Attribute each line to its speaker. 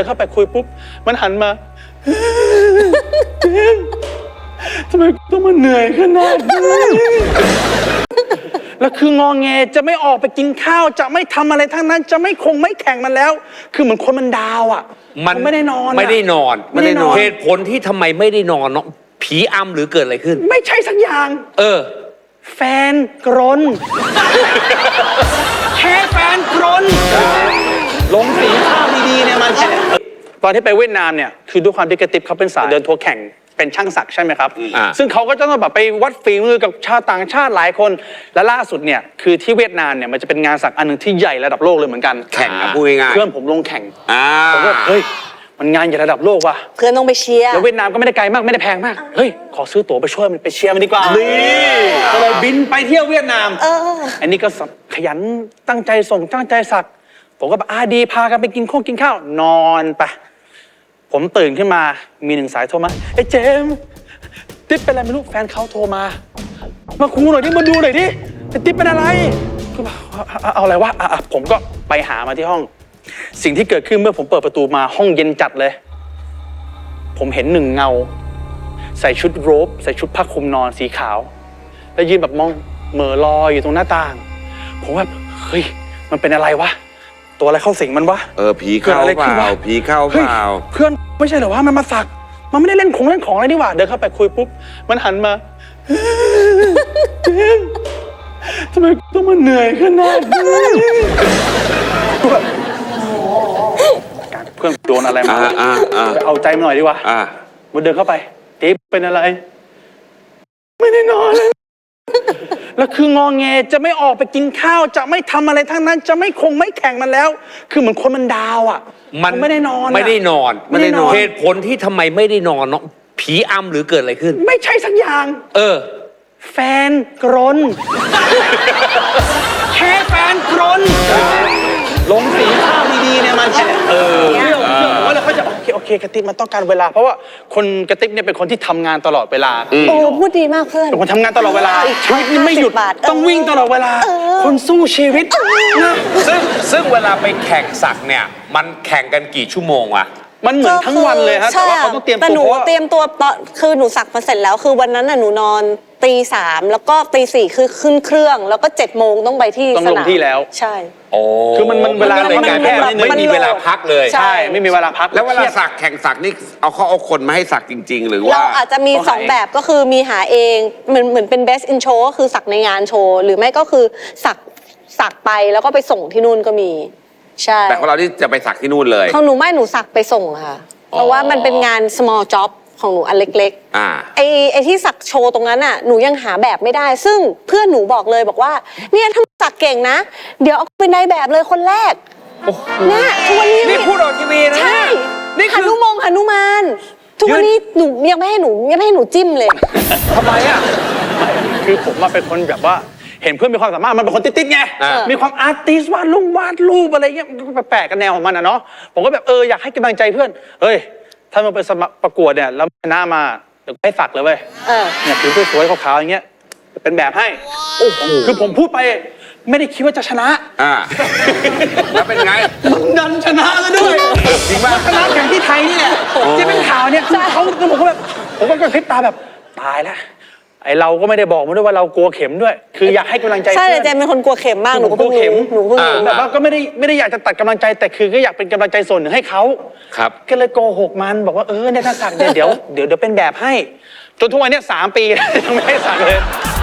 Speaker 1: นเข้าไปคุยปุ๊บมันหันมาเจมทำไมต้องมาเหนื่อยขนาดนี้แล้วคืองอแงจะไม่ออกไปกินข้าวจะไม่ทำอะไรทั้งนั้นจะไม่แข่งมันแล้วคือเหมือนคนมันดาวอ่ะมันไม่ได้นอน
Speaker 2: เหตุผลที่ทำไมไม่ได้นอนเนาะผีอำหรือเกิดอะไรขึ้น
Speaker 1: ไม่ใช่สักอย่างแฟนกรนแค่แฟนกรนลงสีข้าวดีๆเนี่ยมันตอนที่ไปเวียดนามเนี่ยคือด้วยความที่กระติบเขาเป็นสายเดินทัวร์แข่งเป็นช่างศักดิ์ใช่ไหมครับซึ่งเขาก็จะต้องแบบไปวัดฝีมือกับชาวต่างชาติหลายคนและล่าสุดเนี่ยคือที่เวียดนามเนี่ยมันจะเป็นงานศักดิ์อันหนึ่งที่ใหญ่ระดับโลกเลยเหมือนกัน
Speaker 2: แข่งพูดง่าย
Speaker 1: เพื่อนผมลงแข่งผมก็เฮ้ยมันงานใหญ่ระดับโลกว่ะ
Speaker 3: เพื่อนต้องไปเชียร์
Speaker 1: แล้วเวียดนามก็ไม่ได้ไกลมากไม่ได้แพงมากเฮ้ยขอซื้อตั๋วไปช่วยมันไปเชียร์มันดีกว่าก็เลยบินไปเที่ยวเวียดนามอันนี้ก็ขยันตั้งใจส่งตั้งใจสักผมก็ดีพากันไปกินข้าวนอนไปผมตื่นขึ้นมามีหนึ่งสายโทรมาไอ้เจมติ๊บเป็นอะไรไม่รู้แฟนเขาโทรมาคูหน่อยดิมาดูหน่อยดิติ๊บเป็นอะไรเอาอะไรวะผมก็ไปหามาที่ห้องสิ่งที่เกิดขึ้นเมื่อผมเปิดประตูมาห้องเย็นจัดเลยผมเห็นหนึ่งเงาใส่ชุดโรบใส่ชุดผ้าคลุมนอนสีขาวแล้วยืนแบบมองเหม่อลอยอยู่ตรงหน้าต่างผมว่าเฮ้ยมันเป็นอะไรวะตัวอะไรเข้าสิงมันวะ
Speaker 2: ผีเข้าเปล่าผีเข้าเปล่า
Speaker 1: เพื่อนไม่ใช่เหรอวะมันมาสักมันไม่ได้เล่นของอะไรนี่หว่าเดินเข้าไปคุยปุ๊บมันหันมาทำไมต้องมาเหนื่อยขนาดนี้เพื่อนโดนอะไรมาไปเอาใจมาหน่อยดีกว่ามันเดินเข้าไปติ๊บเป็นอะไรไม่ได้นอนเลยแล้วคืองอแงจะไม่ออกไปกินข้าวจะไม่ทำอะไรทั้งนั้นจะไม่แข่งมันแล้วคือเหมือนคนมันดาวอ่ะมันไม่ได้นอน
Speaker 2: เหตุผลที่ทำไมไม่ได้นอนเนาะผีอำหรือเกิดอะไรขึ้น
Speaker 1: ไม่ใช่สักอย่างแฟนกรนแค่แฟนกรนลงสีข้าวดีๆเนี่ยมันว่าเราเขาจะโอเคกระติบมันต้องการเวลาเพราะว่าคนกระติบเนี่ยเป็นคนที่ทำงานตลอดเวลา
Speaker 3: พูดดีมากเพื่อน
Speaker 1: เป็นคนทำงานตลอดเวลาชีวิตไม่หยุดต้องวิ่งตลอดเวลาคนสู้ชีวิตนะ
Speaker 2: ซึ่งเวลาไปแข่งสักเนี่ยมันแข่งกันกี่ชั่วโมงวะ
Speaker 1: มันเหมือนทั้งวันเลยฮะแต่ว่าเขาต้องเตรียมตัว
Speaker 3: แต่หนูเตรียมตัวคือหนูสักมาเสร็จแล้วคือวันนั้นน่ะหนูนอนตี3แล้วก็ตี4คือขึ้นเครื่องแล้วก็7 โมงต้องไปที่
Speaker 1: สนามต้องลงที่แล้ว
Speaker 3: ใช่
Speaker 1: คือมันเวลาในการแพทย์
Speaker 2: ไม่มีเวลาพักเลย
Speaker 1: ใช่ไม่มีเวลาพัก
Speaker 2: แล้วเวลาสักแข่งสักนี่เอาคนมาให้สักจริงๆหรือว่า
Speaker 3: เราอาจจะมี2แบบก็คือมีหาเองเหมือนเป็น best in show ก็คือสักในงานโชว์หรือไม่ก็คือสักไปแล้วก็ไปส่งที่นู่นก็มีใช่
Speaker 2: แต่ของเราที่จะไปสักที่นู่นเลย
Speaker 3: ของหนูไม่หนูสักไปส่งค่ะเพราะว่ามันเป็นงาน small job ของหนูอันเล็กๆไอ้ที่สักโชว์ตรงนั้นน่ะหนูยังหาแบบไม่ได้ซึ่งเพื่อนหนูบอกเลยบอกว่าเนี่ยถ้าสักเก่งนะเดี๋ยวเอาเป็นนายแบบเลยคนแรกเนี่ยทุกวันนี้
Speaker 2: นี่พูดออกทีวีนะ
Speaker 3: ใช่นี่หนุมานทุกวันนี้หนูยังไม่ให้หนูจิ้มเลย
Speaker 2: ทำไมอ่ะ
Speaker 1: คือผมมาเป็นคนแบบว่าเห็นเพื่อนมีความสามารถมันเป็นคนติดไงมีความอาร์ติสวาดรูปอะไรเงี้ยแปลกกันแนวของมันอะเนาะผมก็แบบอยากให้กำลังใจเพื่อนเฮ้ยถ้ามันไปสมัครประกวดเนี่ยแล้วชนะมาเดี๋ยวให้สักเลยเว้ยเนี่ยผิวสวยๆขาวๆอย่างเงี้ยเป็นแบบให้คือผมพูดไปไม่ได้คิดว่าจะชนะ
Speaker 2: แล้วเป็นไง
Speaker 1: ดันชนะแล้วด้วย
Speaker 2: จริงป่ะ
Speaker 1: ชนะอย่างที่ไทยนี่แหละที่เป็นข่าวเนี่ยผมก็แบบผมก็กระพริบตาแบบตายแล้วไอเราก็ไม่ได้บอกมันด้วยว่าเรากลัวเข็มด้วยคืออยากให้กำลังใจ
Speaker 3: ใช่เจมเป็นคนกลัวเข็มมากหนูก็
Speaker 1: กลัวเข็มแบบว่าก็ไม่ได้อยากจะตัดกำลังใจแต่คือก็อยากเป็นกำลังใจส่วนหนึ่งให้เขา
Speaker 2: ครับ
Speaker 1: ก็เลยโกหกมันบอกว่าเนี่ยถ้าสักเดี๋ยวเป็นแบบให้จนทุกวันนี้3 ปียังไม่ได้สักเลย